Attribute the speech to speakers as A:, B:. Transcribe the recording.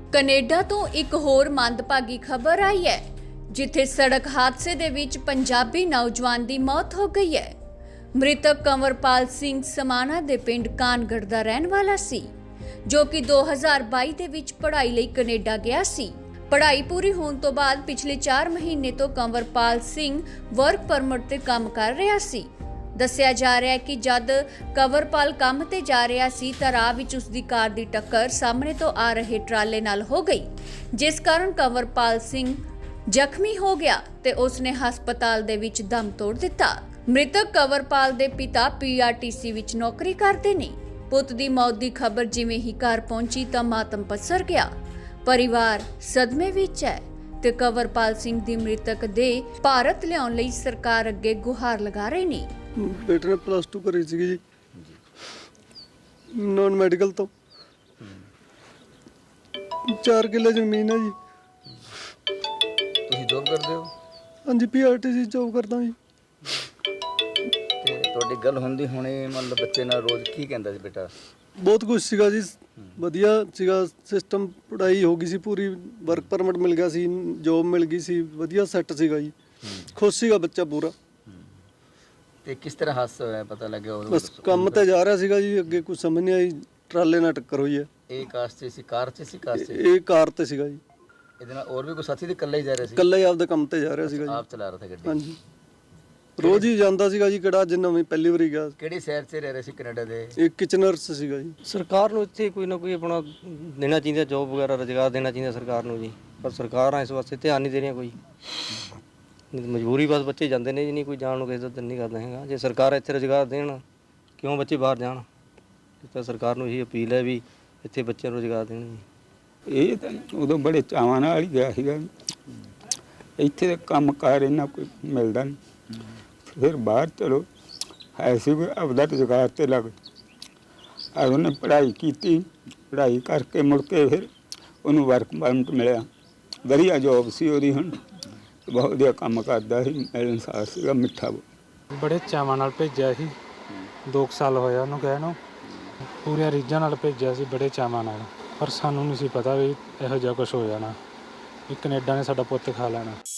A: Canada ਤੋਂ ਇੱਕ ਹੋਰ ਮੰਦਭਾਗੀ ਖਬਰ ਆਈ ਹੈ, ਜਿੱਥੇ ਸੜਕ ਹਾਦਸੇ ਦੇ ਵਿੱਚ ਪੰਜਾਬੀ ਨੌਜਵਾਨ ਦੀ ਮੌਤ ਹੋ ਗਈ ਹੈ। ਮ੍ਰਿਤਕ ਕੰਵਰਪਾਲ ਸਿੰਘ ਸਮਾਣਾ ਦੇ ਪਿੰਡ ਕਾਨਗੜ੍ਹ ਦਾ ਰਹਿਣ ਵਾਲਾ ਸੀ, ਜੋ ਕਿ 2022 ਦੇ ਵਿੱਚ ਪੜ੍ਹਾਈ ਲਈ ਕੈਨੇਡਾ ਗਿਆ ਸੀ। ਪੜ੍ਹਾਈ ਪੂਰੀ ਹੋਣ ਤੋਂ ਬਾਅਦ ਪਿਛਲੇ 4 ਮਹੀਨੇ ਤੋਂ ਕੰਵਰਪਾਲ ਸਿੰਘ ਵਰਕ ਪਰਮਿਟ ਤੇ ਕੰਮ ਕਰ ਰਿਹਾ ਸੀ। ਦੱਸਿਆ ਜਾ ਰਿਹਾ ਹੈ ਕਿ ਜਦ ਕੰਵਰਪਾਲ ਕੰਮ ਤੇ ਜਾ ਰਿਹਾ ਸੀ ਤਾਂ ਰਾਹ ਵਿੱਚ ਉਸ ਦੀ ਕਾਰ ਦੀ ਟੱਕਰ ਸਾਹਮਣੇ ਤੋਂ ਆ ਰਹੇ ਟਰਾਲੇ ਨਾਲ ਹੋ ਗਈ, ਜਿਸ ਕਾਰਨ ਕੰਵਰਪਾਲ ਸਿੰਘ ਜ਼ਖਮੀ ਹੋ ਗਿਆ ਤੇ ਉਸ ਨੇ ਹਸਪਤਾਲ ਦੇ ਵਿੱਚ ਦਮ ਤੋੜ ਦਿੱਤਾ। ਮ੍ਰਿਤਕ ਕੰਵਰਪਾਲ ਦੇ ਪਿਤਾ PRTC ਵਿੱਚ ਨੌਕਰੀ ਕਰਦੇ ਨੇ। ਪੁੱਤ ਦੀ ਮੌਤ ਦੀ ਖਬਰ ਜਿਵੇਂ ਹੀ ਘਰ ਪਹੁੰਚੀ ਤਾਂ ਮਾਤਮ ਪਸਰ ਗਿਆ। ਪਰਿਵਾਰ ਸਦਮੇ ਵਿੱਚ ਹੈ ਤੇ ਕੰਵਰਪਾਲ ਸਿੰਘ ਦੀ ਮ੍ਰਿਤਕ ਦੇ ਭਾਰਤ ਲਿਆਉਣ ਲਈ ਸਰਕਾਰ ਅੱਗੇ ਗੁਹਾਰ ਲਗਾ ਰਹੇ ਨੇ।
B: ਬੇਟੇ ਨੇ +2 ਕਰੀ ਸੀਗੀ ਜੀ, ਨਾਨ ਮੈਡੀਕਲ ਤੋਂ। 4 ਕਿੱਲੇ ਜ਼ਮੀਨ ਹੈ ਜੀ।
C: ਤੁਸੀਂ ਜੋਬ ਕਰਦੇ ਹੋ?
B: ਹਾਂਜੀ, PRTC ਜੋਬ ਕਰਦਾ ਜੀ।
C: ਤੇ ਤੁਹਾਡੀ ਗੱਲ ਹੁੰਦੀ ਹੁਣੇ ਮਤਲਬ ਬੱਚੇ ਨਾਲ ਰੋਜ਼ ਕੀ ਕਹਿੰਦਾ ਸੀ ਬੇਟਾ?
B: ਬਹੁਤ ਕੁਝ ਸੀਗਾ ਜੀ, ਵਧੀਆ ਸੀਗਾ ਸਿਸਟਮ। ਪੜ੍ਹਾਈ ਹੋ ਗਈ ਸੀ ਪੂਰੀ, ਵਰਕ ਪਰਮਿਟ ਮਿਲ ਗਿਆ ਸੀ, ਜੋਬ ਮਿਲ ਗਈ ਸੀ, ਵਧੀਆ ਸੈੱਟ ਸੀਗਾ ਜੀ। ਖੁਸ਼ ਸੀਗਾ ਬੱਚਾ ਪੂਰਾ।
C: ਤੇ ਕਿਸ ਤਰ੍ਹਾਂ ਹਾਦਸਾ ਹੋਇਆ ਪਤਾ ਲੱਗਿਆ?
B: ਬਸ ਕੰਮ ਤੇ ਜਾ ਰਿਹਾ ਸੀਗਾ ਜੀ, ਅੱਗੇ ਕੁਝ ਸਮਝ ਨਹੀਂ ਆਈ, ਟਰਾਲੇ ਨਾਲ ਟੱਕਰ ਹੋਈ ਹੈ।
C: ਇਹ ਕਾਰ 'ਚ ਸੀ? ਕਾਰ 'ਚ ਸੀ? ਕਾਰ 'ਚ?
B: ਇਹ ਕਾਰ ਤੇ ਸੀਗਾ ਜੀ।
C: ਇਹਦੇ ਨਾਲ ਹੋਰ ਵੀ ਕੋਈ ਸਾਥੀ ਤੇ ਇਕੱਲਾ ਹੀ ਜਾ ਰਿਹਾ ਸੀ?
B: ਇਕੱਲਾ ਹੀ ਆਪਦੇ ਕੰਮ ਤੇ ਜਾ ਰਿਹਾ ਸੀਗਾ ਜੀ।
C: ਆਪ ਚਲਾ ਰਿਹਾ ਸੀ ਗੱਡੀ?
B: ਹਾਂਜੀ, ਰੋਜ਼ ਹੀ ਜਾਂਦਾ ਸੀਗਾ ਜੀ। ਕਿਹੜਾ ਜਿੰਨਾ ਵੀ ਪਹਿਲੀ ਵਾਰੀ ਗਿਆ।
C: ਕਿਹੜੀ ਸ਼ਹਿਰ 'ਚ ਰਹਿ ਰਹੇ ਸੀ ਕੈਨੇਡਾ ਦੇ?
B: ਇਹ ਕਿਚਨਰਸ ਸੀਗਾ ਜੀ।
D: ਸਰਕਾਰ ਨੂੰ ਇੱਥੇ ਕੋਈ ਨਾ ਕੋਈ ਆਪਣਾ ਦੇਣਾ ਚਾਹੀਦਾ, ਜੋਬ ਵਗੈਰਾ ਰੁਜ਼ਗਾਰ ਦੇਣਾ ਚਾਹੀਦਾ ਸਰਕਾਰ ਨੂੰ ਜੀ। ਪਰ ਸਰਕਾਰਾਂ ਇਸ ਵਾਸਤੇ ਧਿਆਨ ਨਹੀਂ ਦੇ ਰਹੀਆਂ ਕੋਈ। ਮਜਬੂਰੀ ਬਸ ਬੱਚੇ ਜਾਂਦੇ ਨੇ ਜੀ, ਨਹੀਂ ਕੋਈ ਜਾਣ ਨੂੰ ਕਿਸੇ ਦਾ ਦਿਲ ਨਹੀਂ ਕਰਦਾ ਹੈਗਾ। ਜੇ ਸਰਕਾਰ ਇੱਥੇ ਰੁਜ਼ਗਾਰ ਦੇਣ, ਕਿਉਂ ਬੱਚੇ ਬਾਹਰ ਜਾਣ? ਤਾਂ ਸਰਕਾਰ ਨੂੰ ਇਹੀ ਅਪੀਲ ਹੈ ਵੀ ਇੱਥੇ ਬੱਚਿਆਂ ਨੂੰ ਰੁਜ਼ਗਾਰ ਦੇਣ ਜੀ।
E: ਇਹ ਤਾਂ ਉਦੋਂ ਬੜੇ ਚਾਵਾਂ ਨਾਲ ਹੀ ਗਿਆ ਸੀਗਾ। ਇੱਥੇ ਤਾਂ ਕੰਮ ਕਾਰ ਇੰਨਾ ਕੋਈ ਮਿਲਦਾ ਨਹੀਂ। ਫਿਰ ਬਾਹਰ ਚਲੋ ਹੈ ਸੀ ਆਪਦਾ ਰੁਜ਼ਗਾਰ ਤੇ ਲੱਗ। ਉਹਨੇ ਪੜ੍ਹਾਈ ਕੀਤੀ, ਪੜ੍ਹਾਈ ਕਰਕੇ ਮੁੜ ਕੇ ਫਿਰ ਉਹਨੂੰ ਵਰਕ ਪਰਮਿਟ ਮਿਲਿਆ। ਵਧੀਆ ਜੋਬ ਸੀ ਉਹਦੀ, ਹੁਣ ਬਹੁਤ ਵਧੀਆ ਕੰਮ ਕਰਦਾ ਸੀ, ਮਿਲਣਸਾਰ ਸੀਗਾ, ਮਿੱਠਾ।
F: ਬੜੇ ਚਾਵਾਂ ਨਾਲ ਭੇਜਿਆ ਸੀ, 2 ਸਾਲ ਹੋਇਆ ਉਹਨੂੰ ਗਏ ਨੂੰ। ਪੂਰੀਆਂ ਰੀਝਾਂ ਨਾਲ ਭੇਜਿਆ ਸੀ, ਬੜੇ ਚਾਵਾਂ ਨਾਲ। ਪਰ ਸਾਨੂੰ ਨਹੀਂ ਸੀ ਪਤਾ ਵੀ ਇਹੋ ਜਿਹਾ ਕੁਝ ਹੋ ਜਾਣਾ, ਵੀ ਕੈਨੇਡਾ ਨੇ ਸਾਡਾ ਪੁੱਤ ਖਾ ਲੈਣਾ।